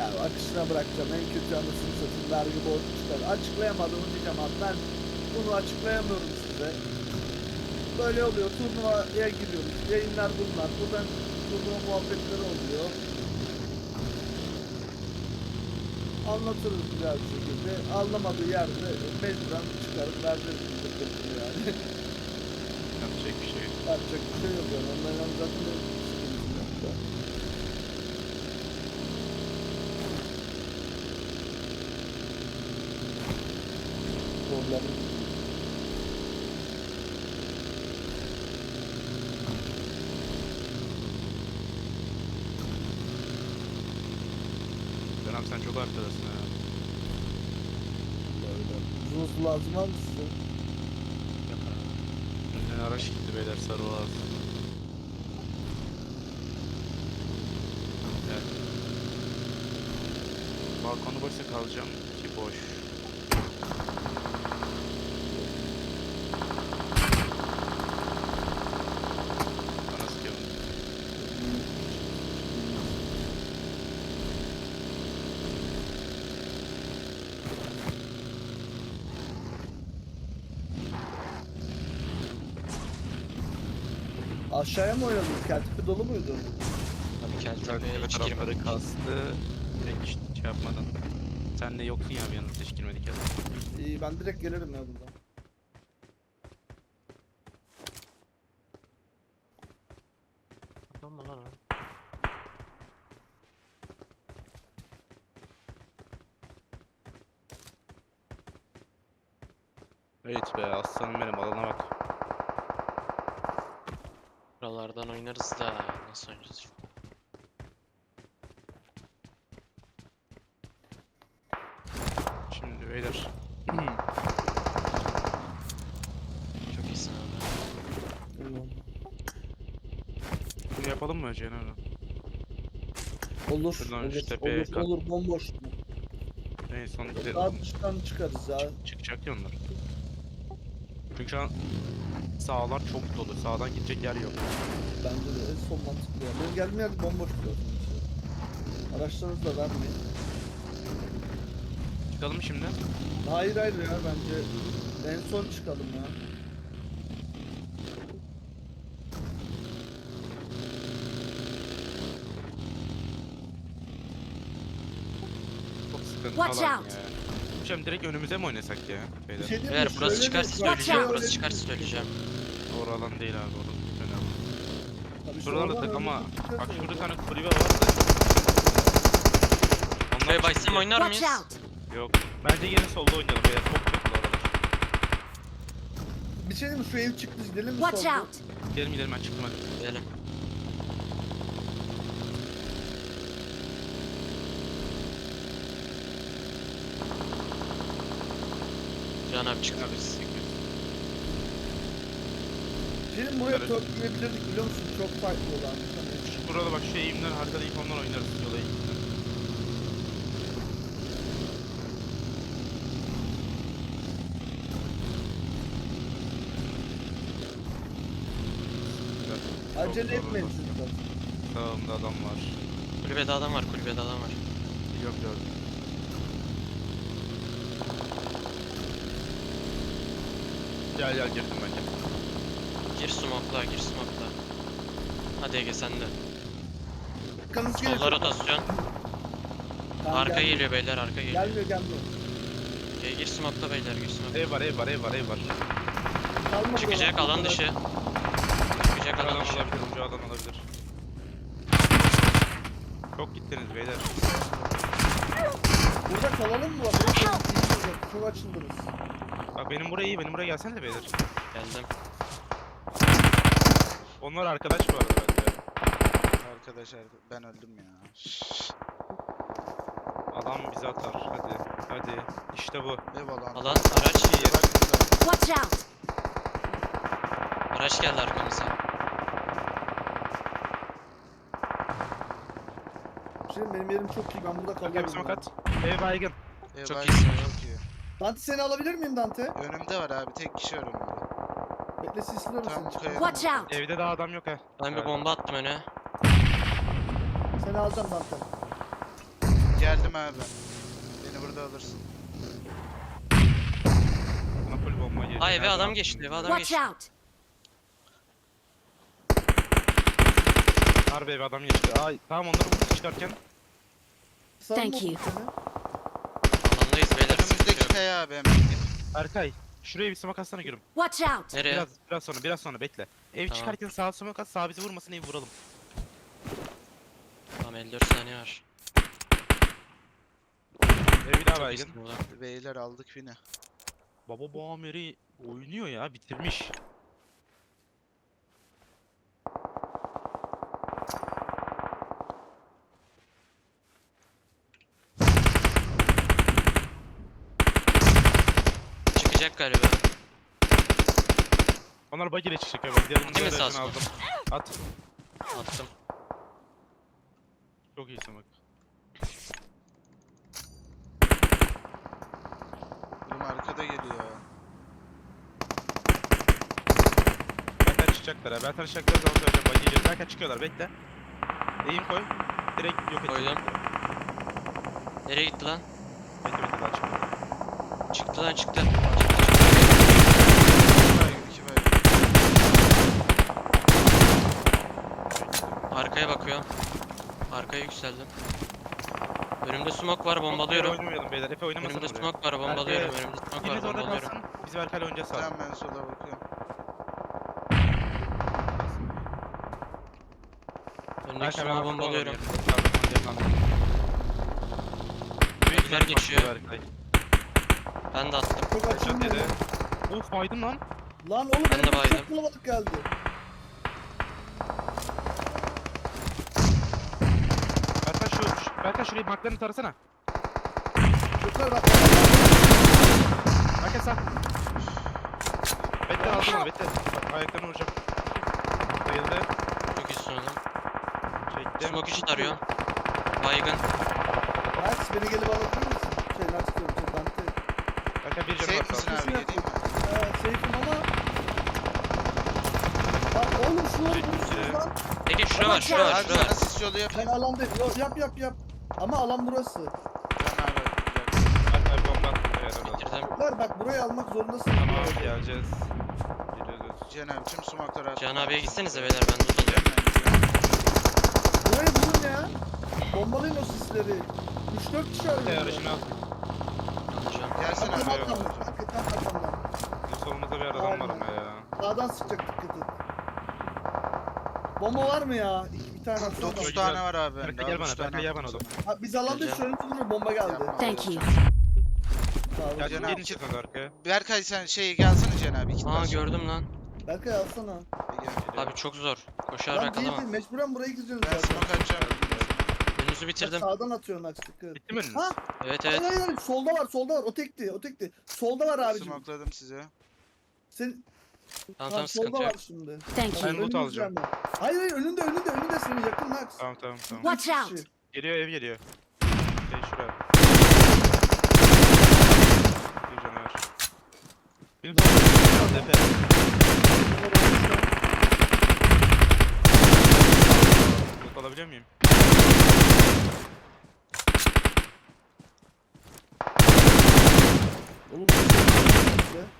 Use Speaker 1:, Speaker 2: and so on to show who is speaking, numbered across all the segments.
Speaker 1: Ya akışına bırakacağım. En kötü anısını satayım. Vergi borcu çıkar. Açıklayamadım diyeceğim abi. Ben bunu açıklayamıyorum size. Böyle oluyor. Turnuvaya giriyoruz. Yayınlar bunlar. Buradan turnuva muhabbetleri oluyor. Anlatırız güzel bir şekilde. Anlamadığı yerde mecburen çıkarıp veririz yani.
Speaker 2: Yapacak bir şey yok.
Speaker 1: Yapacak bir şey yok yani. Onların zaten bir sıkıntı yok da. Problem.
Speaker 2: Dönem sen çok arkadasın ha.
Speaker 1: Uzun su lazım var mı size?
Speaker 2: Yok abi. Önden araç gitti beyler sarı lazım. Evet. Balkonu boşsa kalacağım ki boş. Bana sıkıyorum.
Speaker 1: Aşağıya mı oynadınız? Keltipi dolu muydu?
Speaker 3: Abi Keltepe'ye
Speaker 2: Tepe
Speaker 3: hiç
Speaker 2: tarafları
Speaker 3: girmedik.
Speaker 2: kastı. Direkt hiç şey yapmadan. Sen de yoksun ya bir yanımızda hiç girmedik ya.
Speaker 1: İyi ben direkt gelirim ya buradan.
Speaker 3: Adam mı lan o?
Speaker 2: Evet be aslanım benim alana bak.
Speaker 3: Buralardan oynarız da nasıl oynayacağız?
Speaker 2: Şimdi beyler.
Speaker 3: Çok iyisin abi.
Speaker 1: Tamam.
Speaker 2: Bunu yapalım mı Cenab?
Speaker 1: Olur,
Speaker 2: Şuradan
Speaker 1: olur,
Speaker 2: şu tepeye
Speaker 1: olur,
Speaker 2: kalk.
Speaker 1: olur, bomboş.
Speaker 2: En son
Speaker 1: Daha dıştan çıkarız ya.
Speaker 2: çıkacak ya onlar. Çünkü şu an sağlar çok dolu. Sağdan gidecek yer yok.
Speaker 1: Bence de en son mantıklı ya. Benim geldiğim yer bomboş diyor. Araçlarınızı da vermeyin.
Speaker 2: Çıkalım şimdi.
Speaker 1: Hayır hayır ya bence en son çıkalım ya.
Speaker 2: Çok sıkıntı
Speaker 4: Watch
Speaker 2: alan
Speaker 4: out.
Speaker 2: ya. Hocam direkt önümüze mi oynasak ya
Speaker 1: Bir
Speaker 2: beyler?
Speaker 1: şey diyeyim
Speaker 3: Beyler
Speaker 1: mi?
Speaker 3: burası
Speaker 1: Şöyle
Speaker 3: çıkarsa
Speaker 1: bir-
Speaker 3: söyleyeceğim.
Speaker 4: out.
Speaker 3: Burası çıkarsa söyleyeceğim.
Speaker 2: Doğru alan değil abi orası önemli.
Speaker 1: Tabii
Speaker 2: Şuradan da
Speaker 1: sonradan
Speaker 2: tek ama
Speaker 1: önümüzde
Speaker 2: bak
Speaker 1: çıkarsa
Speaker 2: şurada bir
Speaker 1: olur.
Speaker 2: tane kulübe var da.
Speaker 3: Şuraya
Speaker 2: Onlar
Speaker 3: baysam oynar
Speaker 4: Watch
Speaker 3: mıyız?
Speaker 4: out!
Speaker 2: yok. Bence yine solda oynayalım beyler. Çok kötü bu aralar.
Speaker 1: Bir şey diyeyim mi? Şu ev çıktı gidelim mi
Speaker 4: Watch
Speaker 1: solda?
Speaker 4: out!
Speaker 2: Gidelim gidelim ben çıktım hadi.
Speaker 3: Gidelim. Can abi çıktı biz.
Speaker 1: Bir şey diyeyim mi? Buraya
Speaker 2: Evet.
Speaker 1: törpüleyebilirdik biliyor musun? Çok farklı olan. Hani
Speaker 2: Burada bak şu eğimden haritada ilk ondan oynarız yola eğimden. Güzel.
Speaker 1: acele
Speaker 2: Çok
Speaker 1: etmeyin
Speaker 2: zor
Speaker 1: çocuklar.
Speaker 2: Sağımda adam var.
Speaker 3: Kulübede adam var, kulübede adam var.
Speaker 2: Yok gördüm. Gel gel girdim ben gel.
Speaker 3: Gir smoke'la, gir smoke'la. Hadi Ege sen de.
Speaker 1: Kanız geliyor.
Speaker 3: Solda rotasyon.
Speaker 1: Tamam,
Speaker 3: Arka
Speaker 1: gelmiyor.
Speaker 3: geliyor beyler, arka geliyor.
Speaker 1: Gelmiyor.
Speaker 3: Gir smoke'la beyler, gir smoke'la.
Speaker 2: Ev var ev var ev var ev var.
Speaker 1: Kalma
Speaker 3: Çıkacak
Speaker 1: buralar.
Speaker 3: alan dışı. Çıkacak
Speaker 2: Alan
Speaker 3: alan dışı.
Speaker 2: olabilir ucu alan olabilir. Çok gittiniz beyler.
Speaker 1: Burada kalalım mı? Bak, çok açıldınız.
Speaker 2: Bak benim buraya iyi benim buraya gelsene de beyler.
Speaker 3: Geldim.
Speaker 2: Onlar arkadaş bu arada bence.
Speaker 5: Arkadaşlar ben öldüm ya.
Speaker 2: Adam bizi atar hadi. Hadi işte bu.
Speaker 5: Eyvallah.
Speaker 3: Alan, araç.
Speaker 4: Watch out!
Speaker 3: Araç geldi arkamıza.
Speaker 1: Şimdi benim yerim çok iyi. Ben burada
Speaker 2: Bak
Speaker 1: kalıyorum.
Speaker 2: hepsi makat. Ev baygın.
Speaker 3: Çok
Speaker 5: Eyvallah,
Speaker 3: iyisin.
Speaker 5: Çok iyi.
Speaker 1: Dante seni alabilir miyim Dante?
Speaker 5: Önümde var abi. Tek kişi var önümde.
Speaker 1: Bekle sisliyorum
Speaker 5: Tam
Speaker 1: seni.
Speaker 5: kaya-
Speaker 4: Watch out!
Speaker 2: Evde daha adam yok ha.
Speaker 3: Ben bir
Speaker 2: Evet.
Speaker 3: bomba attım öne.
Speaker 1: Seni alacağım Dante.
Speaker 5: Geldim abi. Beni burada alırsın.
Speaker 2: Buna full bomba geliyor.
Speaker 3: Ay eve
Speaker 2: Nereden
Speaker 3: adam
Speaker 2: attın
Speaker 3: geçti, eve
Speaker 2: bilmiyorum.
Speaker 3: adam
Speaker 4: Watch
Speaker 3: geçti.
Speaker 4: out!
Speaker 2: Harbi eve adam geçti. Ay tamam onları vurduk çıkarken.
Speaker 1: Sen
Speaker 4: Thank
Speaker 1: mi
Speaker 4: you.
Speaker 1: vurdun seni?
Speaker 3: Alandayız beyler. sıkıntı
Speaker 5: Önümüzdeki
Speaker 3: yok.
Speaker 5: kaya abi hemen git.
Speaker 2: Berkay şuraya bir smoke atsana gülüm.
Speaker 4: Watch out!
Speaker 3: Nereye?
Speaker 2: Biraz sonra bekle. Ev
Speaker 3: Tamam.
Speaker 2: çıkarken sağa smoke at, sağ bizi vurmasın, evi vuralım.
Speaker 3: Tamam 54 saniye var.
Speaker 2: Ev bir daha
Speaker 3: Çok
Speaker 2: baygın.
Speaker 3: iyisin ulan.
Speaker 5: Beyler aldık Vini.
Speaker 2: Baba bu Amer'i oynuyor ya, bitirmiş.
Speaker 3: Çıkacak galiba.
Speaker 2: Onlar bug ile çıkacak ya. Diğerinin
Speaker 3: Değil mi
Speaker 2: diğer
Speaker 3: sağ
Speaker 2: aracını aldım. At.
Speaker 3: Attım.
Speaker 2: Çok iyi smoke.
Speaker 5: Oğlum arkada geliyor.
Speaker 2: Berkay çıkacaklar ha. Berkay çıkacaklar zaman söyleyeceğim. Bug'e gelir. Berkay çıkıyorlar, bekle. Eğim koy. Direkt yok et.
Speaker 3: Koydum. Nereye gitti lan?
Speaker 2: Bekle daha çıkmadı.
Speaker 3: Çıktı lan çıktı.
Speaker 5: İki baygın.
Speaker 3: Arkaya bakıyor. Arkaya yükseldim. Önümde smoke var, bombalıyorum.
Speaker 2: Oynamayalım beyler. Efe oynamasana
Speaker 3: Önümde
Speaker 2: buraya.
Speaker 3: smoke var, bombalıyorum.
Speaker 2: Berkay,
Speaker 3: Önümde smoke var,
Speaker 2: İkiniz orada
Speaker 3: bombalıyorum.
Speaker 2: kalsın. Biz Berkay'la oynayacağız sağ.
Speaker 5: Tamam ben sola bakıyorum.
Speaker 3: Önümdeki smoke'u bombalıyorum.
Speaker 2: Büyükler
Speaker 3: geçiyor.
Speaker 2: Berkay.
Speaker 3: Ben de attım.
Speaker 1: Çok
Speaker 2: Headshot
Speaker 1: açılmıyor.
Speaker 2: yedi. Of baydın lan.
Speaker 1: Lan oğlum
Speaker 3: Ben de
Speaker 1: benim
Speaker 3: baydım.
Speaker 1: çok kalabalık geldi.
Speaker 2: Berkay şurayı marklarını tarasana.
Speaker 1: Çocuklar bak.
Speaker 2: Berkay sağ. Bekle aldım onu bekle. Ayaklarını vuracağım. Bayıldı.
Speaker 3: Çok iyisin oğlum.
Speaker 2: Çektim.
Speaker 3: Smoke içi tarıyor. Baygın.
Speaker 1: Max beni gelip alabilir misin? Şey Max diyorum. Şey Dante.
Speaker 2: Berkay bir canı
Speaker 5: Safe
Speaker 2: var
Speaker 5: misin
Speaker 2: sağ.
Speaker 5: abi geleyim mi?
Speaker 1: Seyfim ama. Lan oğlum şunu vurursunuz lan.
Speaker 3: Ege şura var, şura var,
Speaker 5: Abi
Speaker 3: şura var.
Speaker 5: sana sis yolu
Speaker 1: Ben
Speaker 5: yapayım.
Speaker 1: alandayım. Yap. Ama alan burası.
Speaker 5: Can abi.
Speaker 2: Berkay bomba attı. Helal olsun.
Speaker 3: Bitirdim.
Speaker 1: Çocuklar bak burayı almak zorundasınız.
Speaker 2: Tamam geleceğiz. Geliyoruz.
Speaker 5: Can abi tüm smoke'ları attım.
Speaker 3: Cihan abiye gitsenize beyler, ben loot alıyorum.
Speaker 1: Burayı vurun ya. Bombalayın o sisleri. 3-4 kişi
Speaker 2: Berkay
Speaker 1: arıyor.
Speaker 2: aracını al.
Speaker 3: Alacağım.
Speaker 5: Gelsene abi.
Speaker 2: Tamam.
Speaker 1: Hakikaten arkamdan.
Speaker 2: Bizim solumuzda bir adam var ama ya.
Speaker 1: Sağdan sıkacak dikkat et. Bomba var mı ya? Bir tane atsana.
Speaker 5: 9
Speaker 2: Çok
Speaker 5: tane
Speaker 2: güzel.
Speaker 5: var abi.
Speaker 2: Berkay
Speaker 5: Daha
Speaker 2: gel bana,
Speaker 5: üç tane
Speaker 2: Berkay gel
Speaker 5: attım
Speaker 2: bana oğlum.
Speaker 5: sana.
Speaker 1: Ha, biz alanda şu önümüzde duruyor. Bomba geldi.
Speaker 5: Yapma.
Speaker 4: Thank you.
Speaker 1: Sağ ol.
Speaker 2: Ya
Speaker 5: Can
Speaker 2: gelin
Speaker 5: abi.
Speaker 2: çıkmadı arkaya.
Speaker 5: Berkay sen şey gelsene Can abi. İki
Speaker 3: Aa
Speaker 5: tane.
Speaker 3: gördüm lan.
Speaker 1: Berkay alsana.
Speaker 5: Gel.
Speaker 3: Abi çok zor. Koşar
Speaker 1: Lan değil
Speaker 3: yakalamam.
Speaker 1: mecburen buraya gireceğiz
Speaker 5: Ben
Speaker 1: zaten.
Speaker 5: smoke atacağım.
Speaker 3: Önünüzü
Speaker 1: Bak,
Speaker 3: bitirdim.
Speaker 1: sağdan atıyor Max dikkat.
Speaker 2: Bitti mi önünüz?
Speaker 1: Ha?
Speaker 3: Evet
Speaker 1: Hayır
Speaker 3: evet.
Speaker 1: hayır solda var. O tekti. Solda var abicim.
Speaker 5: Smokeladım size.
Speaker 1: Sen
Speaker 3: Tamam
Speaker 1: solda
Speaker 3: tamam sıkıntı yok.
Speaker 1: var şimdi.
Speaker 4: Thank
Speaker 2: Ben
Speaker 4: you.
Speaker 2: loot alacağım.
Speaker 1: Hayır önünde senin yakın Max.
Speaker 2: Tamam.
Speaker 4: Watch
Speaker 1: Üç
Speaker 4: out!
Speaker 1: kişi.
Speaker 2: Geliyor ev geliyor. Şey şuraya. Bir canavar. Benim kaldı Efe. Yok alabiliyor muyum?
Speaker 1: Oğlum bu ne?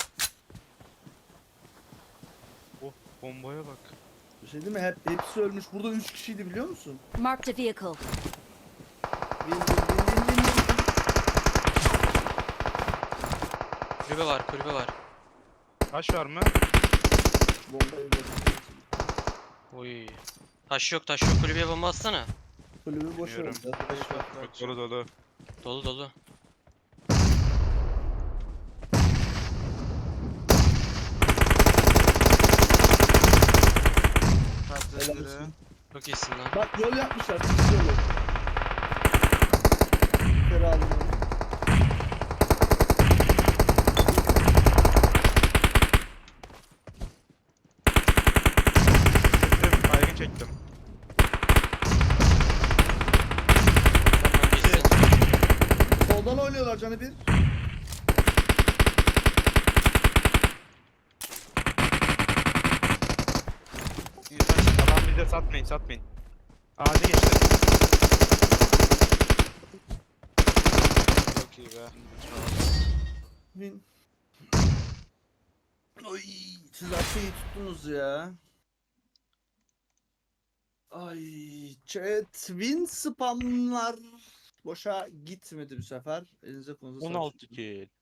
Speaker 2: Bombaya bak.
Speaker 1: Bir şey değil mi? Hepsi ölmüş. Burada 3 kişiydi biliyor musun?
Speaker 4: Marked a vehicle.
Speaker 1: Bin.
Speaker 3: Kulübe var, kulübe var.
Speaker 2: Taş var mı?
Speaker 1: Bombayı bırak.
Speaker 3: Oy. Taş yok, kulübeye bomba atsana.
Speaker 1: Kulübü boş
Speaker 2: Bilmiyorum.
Speaker 1: oldu.
Speaker 2: Bak dolu.
Speaker 3: Dolu dolu.
Speaker 1: Helal
Speaker 5: Patladı.
Speaker 1: olsun.
Speaker 3: Çok iyisin lan.
Speaker 1: Bak yol yapmışlar. Çıkış yolu. Ferahlı.
Speaker 2: Çektim. Baygın çektim.
Speaker 3: Tamam gitsin.
Speaker 1: Soldan oynuyorlar canı bir.
Speaker 5: İnfaz
Speaker 2: Tamam bize satmayın. Ağaca geçti.
Speaker 1: Win. Oy, siz Asya'yı tuttunuz ya. Ay, chat win spamlar boşa gitmedi bu sefer. Elinize konuza sağlık.
Speaker 2: 16 kill.